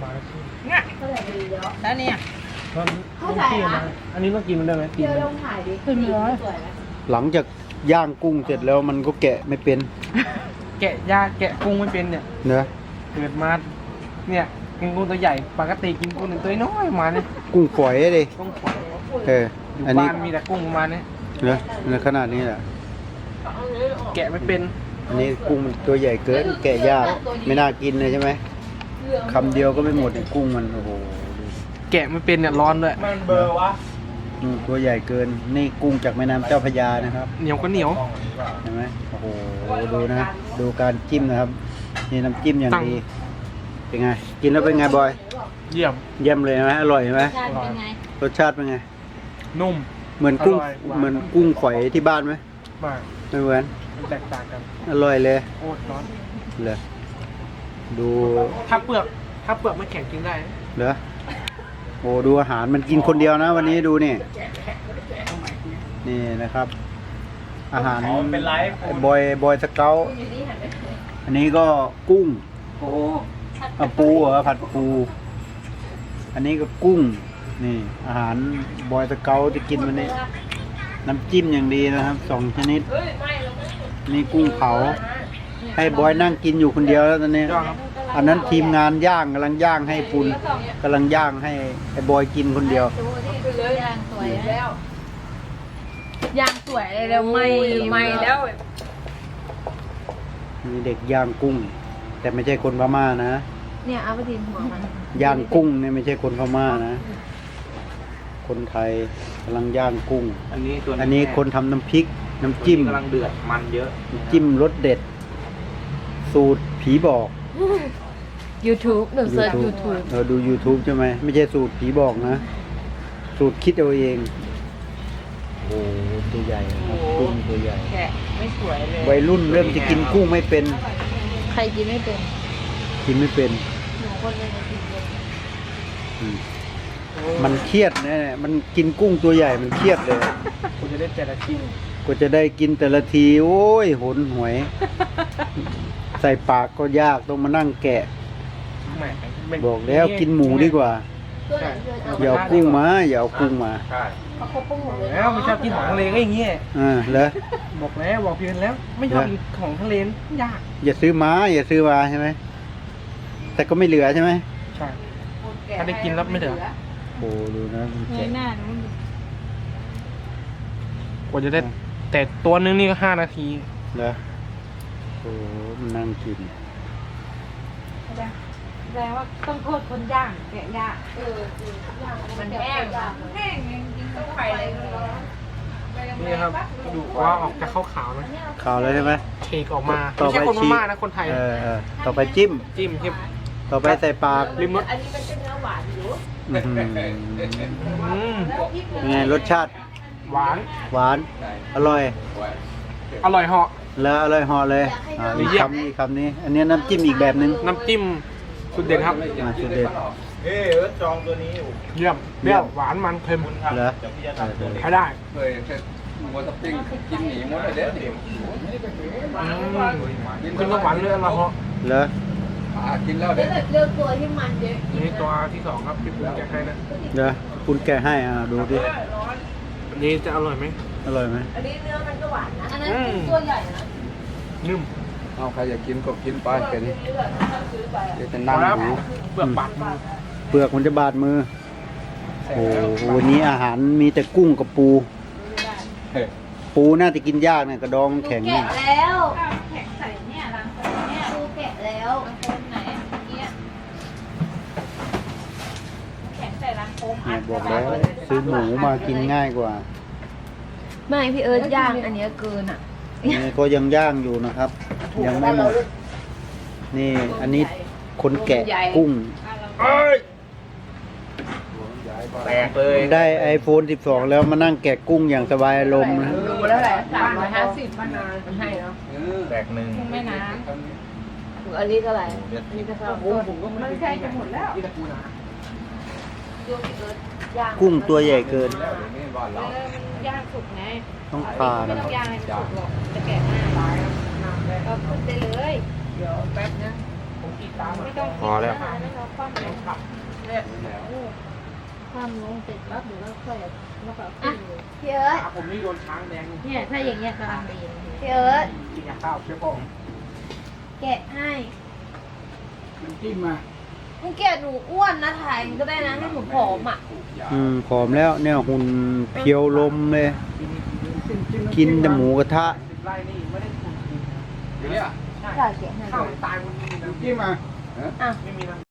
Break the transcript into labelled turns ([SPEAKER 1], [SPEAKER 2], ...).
[SPEAKER 1] มาเนี่ยแล้วเนี่ยอันนี้ต้องกินมันได้ไหมกินขึ้นเลย
[SPEAKER 2] หลังจากย่างกุ้งเสร็จแล้วมันก็แกะไม่เป็น
[SPEAKER 1] แกะยาแกะกุ้งไม่เป็นเนี่ย
[SPEAKER 2] เนื้อ
[SPEAKER 1] เกิดมาเนี่ยกินกุ้งตัวใหญ่ปกติกินกุ้งหนึ่งตัวน้อยมาเนี่ย
[SPEAKER 2] กุ้งฝอยเลย
[SPEAKER 1] ต้องขวาย
[SPEAKER 2] อันนี้
[SPEAKER 1] บ้านมีแต่กุ้งประมาณนี้
[SPEAKER 2] เนื้อในขนาดนี้แหละ
[SPEAKER 1] แกะไม่เป็น
[SPEAKER 2] อันนี้กุ้งมันตัวใหญ่เกินแกะยากไม่น่ากินเลยใช่ไหมคำเดียวก็ไม่หมดเนี่ยกุ้งมันโอ้โห
[SPEAKER 1] แกะไม่เป็นเนี่ยร้อนด้วย
[SPEAKER 3] มันเบอร์วะ
[SPEAKER 2] ตัวใหญ่เกินนี่กุ้งจากแม่น้ำเจ้าพระยานะครับ
[SPEAKER 1] เหนียวก็เหนียว
[SPEAKER 2] เห็นไหมโอ้โหดูนะดูการจิ้มนะครับนี่น้ำจิ้มอย่างดีเป็นไงกินแล้วเป็นไงบอย
[SPEAKER 1] เยี่ยม
[SPEAKER 2] เยี่ยมเลยไหมอร่อยไหม
[SPEAKER 4] ชาติเป็นไง
[SPEAKER 2] รสชาติเป็นไง
[SPEAKER 1] นุ่ม
[SPEAKER 2] เหมือนกุ้ง
[SPEAKER 1] อร่อยหวาน
[SPEAKER 2] เหมือนกุ้งฝอยที่บ้านไหม
[SPEAKER 1] มาก
[SPEAKER 2] ไม่เหมือน
[SPEAKER 1] มันแตกต่างกัน
[SPEAKER 2] อร่อยเลย
[SPEAKER 1] โคตรร้อน
[SPEAKER 2] เลยดู
[SPEAKER 1] ถ้าเปลือกไม่แข็งกินได้
[SPEAKER 2] เหรอโอ้ดูอาหารมันกินคนเดียวนะ วันนี้ดูนี่นี่นะครับ อาหารบอยสเกลอันนี้ก็กุ้งปูเหรอผัดปูอันนี้ก็กุ้งนี่อาหารบอยสเกลจะกินวันนี้น้ำจิ้มอย่างดีนะครับ2 ชนิดนี่กุ้งเผาให้บอยนั่งกินอยู่คนเดียวแล้วตอนนี้ อันนั้นทีมงานย่างกำลังย่างให้ปุนกำลังย่างให้ไอ้บอยกินคนเดียว
[SPEAKER 4] ย่างสวยแล้วย่างสวยแล้วไม่แล้ว
[SPEAKER 2] มีเด็กย่างกุ้ง แต่ไม่ใช่คนพม่านะ
[SPEAKER 4] เนี่ยเอาไปทิ้งหัวมัน
[SPEAKER 2] ย่างกุ้งเนี่ยไม่ใช่คนพม่านะ คนไทยกำลังย่างกุ้ง
[SPEAKER 3] อันนี้ตัว
[SPEAKER 2] อันนี้คนทำน้ำพริกน้ำจิ้ม
[SPEAKER 3] กำลังเดือดมันเยอะ
[SPEAKER 2] น้ำจิ้มรสเด็ด สูตรผีบอก
[SPEAKER 4] YouTube หนูเซิร์ช YouTube
[SPEAKER 2] ดู YouTube ใช่ไหมไม่ใช่สูตรผีบอกนะ สูตรคิดเอาเอง โอ้ตัวใหญ่นะครับกุ้งตัวใหญ่
[SPEAKER 1] แกะไม่สวยเลย
[SPEAKER 2] วัยรุ่นเริ่มจะกินกุ้งไม่เป็น
[SPEAKER 4] ใครกินไม่เป็น
[SPEAKER 2] กินไม่เป็น
[SPEAKER 4] หนูคนเลยกินเป็น
[SPEAKER 2] อืมมันเครียดนะมันกินกุ้งตัวใหญ่มันเครียดเลย
[SPEAKER 1] คุณจะได้แต่ละชิ้น
[SPEAKER 2] กว่าจะได้กินแต่ละที โอ้ยหนหวย ใส่ปากก็ยากต้องมานั่งแกะ
[SPEAKER 1] แหมไม่
[SPEAKER 2] บอกแล้วกินหมูดีกว่า
[SPEAKER 4] ตัวไหนเจอ
[SPEAKER 2] อย่าเอากุ้งมาอย่าเอากุ้งมา
[SPEAKER 3] ใช่
[SPEAKER 4] เขาครบปุ้งหมดเลย
[SPEAKER 1] แล้วไม่ชอบกินของทะเลก็อย่างเงี้ย
[SPEAKER 2] เหรอ
[SPEAKER 1] บอกพี่เป็นแล้ว ไม่ชอบกินของทะเลยาก
[SPEAKER 2] อย่าซื้อมาอย่าซื้อมาใช่ไหมแต่ก็ไม่เหลือใช่ไหม
[SPEAKER 1] ใช่ถ้าได้กินแล้วไม่เหลือ
[SPEAKER 2] โอ้ดูนะมัน
[SPEAKER 4] เง
[SPEAKER 2] แกะ
[SPEAKER 4] ยหน้าหนู
[SPEAKER 1] กว่าจะได้แต่ตัวนึงนี่ก็5 นาที
[SPEAKER 2] เหรอโอ้มันนั่งกิน
[SPEAKER 4] แสดงว่าต้องโทษคนย่างแกะย่างมันแห้งแห้งจริงๆต้องไข่เลย
[SPEAKER 1] นี่ครับดูว่าออกจะขาวๆนะ
[SPEAKER 2] ข่าวแล้วใช่ไหม
[SPEAKER 1] เชกออกมา
[SPEAKER 2] ต่อ
[SPEAKER 1] ไม่
[SPEAKER 2] ไป
[SPEAKER 1] ใช่คนพ
[SPEAKER 2] ชี
[SPEAKER 1] ม่านะคนไทย
[SPEAKER 2] ต่อไปจิ้ม
[SPEAKER 1] จิ้มที่
[SPEAKER 2] ต่อไปใส่ปาก
[SPEAKER 1] ริมรส
[SPEAKER 4] อันนี้มันเป็นเนื้อหวานอยู่
[SPEAKER 2] อื้อหือ
[SPEAKER 1] อืม
[SPEAKER 2] เป็นไงรสชาติ
[SPEAKER 1] หวาน
[SPEAKER 2] หวาน อร่อย
[SPEAKER 1] อร่อยเหาะ
[SPEAKER 2] แล้วอร่อยเหอเลยอีกคำนี้อีกคำนี้ อันนี้น้ำจิ้มอีกแบบนึง
[SPEAKER 1] น้ำจิ้มสุดเด็ดครับ
[SPEAKER 2] สุดเด็ด
[SPEAKER 3] เฮ้ยจองตัวนี้อยู่
[SPEAKER 1] เยี่ยมเปรี้ยวหวานมันเค็ม
[SPEAKER 2] เหรอ
[SPEAKER 1] ใช้ได้
[SPEAKER 3] เคยมัวสปริงกินหนีหมดเลยเด็ดดิ
[SPEAKER 1] ขึ้นก็หวานเลยอร่อยเหาะ
[SPEAKER 2] เหรอ
[SPEAKER 3] กินแล้ว
[SPEAKER 4] เลื
[SPEAKER 3] เด็ด
[SPEAKER 4] อกเลือกตัวที่มันเยอะ
[SPEAKER 1] นี่ตัวที่2ครับที่ผมแกะให้นะ
[SPEAKER 2] เหรอคุณแกะให้ดูดิ
[SPEAKER 1] อันนี้จะอร่อยไหม
[SPEAKER 2] อร่อยไหม
[SPEAKER 4] อันนี้เนื้อมันก็หวานนะอันนั้นตัวใหญ่นะ
[SPEAKER 1] นุ่ม
[SPEAKER 3] เอาใครอยากกินก็กินไปแค่นี้เดี๋ยวจะ
[SPEAKER 1] พ
[SPEAKER 3] นั่
[SPEAKER 1] องแล้ว
[SPEAKER 3] หู
[SPEAKER 1] เปลือกปัดมา
[SPEAKER 2] เปลือกมันจะบาดมือ โอ้โหวันนี้อาหารมีแต่กุ้งกับปู ปูน่าจะกินยากเนี่ยกระดองมันแข็งเนี่ย
[SPEAKER 4] แกะแล้วแข็งใส่เนี่ยรังเนี่ยดูแกะแล้วคนไหนเนี่ยแข็งใส่รังโคม
[SPEAKER 2] เนี่ยบอกแล้วซื้อหมูมากินง่ายกว่า
[SPEAKER 4] ไม่พี่เอิร์ธย่างอันเนี้ยเกินอ่ะ
[SPEAKER 2] นี่ก็ยังย่างอยู่นะครับ ยังไม่หมด นี่อันนี้คนแกะกุ้ง
[SPEAKER 3] แตกเลย
[SPEAKER 2] ได้ iPhone 12 แล้วมานั่งแกะกุ้งอย่างสบายอารมณ์นะ
[SPEAKER 4] ดูแล้วแหละ350มันให้เนาะ
[SPEAKER 3] แตกหนึ่ง
[SPEAKER 4] ไม่น้ำอันนี้เท่าไหร่อันนี้จะเข้ามันใช่จะหมดแล้วดูพี่เอิร์ธย่าง
[SPEAKER 2] กุ้งตัวใหญ่เกิน
[SPEAKER 4] ย่างสุกไง
[SPEAKER 2] ต้องทาน
[SPEAKER 4] ไม่ต้องย่างให้สุกหรอกจะแกะหน้าก็ขึ้นได้เลยเดี๋ยวแป๊บนะ
[SPEAKER 1] ผม
[SPEAKER 4] ไม่ต้อง
[SPEAKER 3] พอแล้ว
[SPEAKER 4] ไม่ต้องคว่ำลง
[SPEAKER 1] ความลงเสร็จปั๊บเดี๋ยวเราค่อยแล้วก็
[SPEAKER 5] อ่ะพี่เอิร์ธ
[SPEAKER 6] ผมนี่โดนช้างแดง
[SPEAKER 1] เนี่ยถ้าอย่างเงี้ยกำลังดี
[SPEAKER 5] พี่เอิร์ธ
[SPEAKER 6] กินข้าวเชื่อป่อง
[SPEAKER 5] แกะให้
[SPEAKER 6] น้ำจิ้มมา
[SPEAKER 5] มึงแกะหนูอ้วนนะถ่ายมันก็ได้นะให้หนูผอมอ่ะ
[SPEAKER 2] ผอมแล้วเนี่ยหุ่นเพียวลมเลย กินแต่หมูกระทะ
[SPEAKER 6] 10 ไร่นี่ไม่ได้ทุนกินเนี่ย
[SPEAKER 5] จ่ายแกะให้
[SPEAKER 6] ข้าวตายวันนี้น้ำจิ้มมา
[SPEAKER 5] อ่ะ
[SPEAKER 6] ไม่มีน้ำ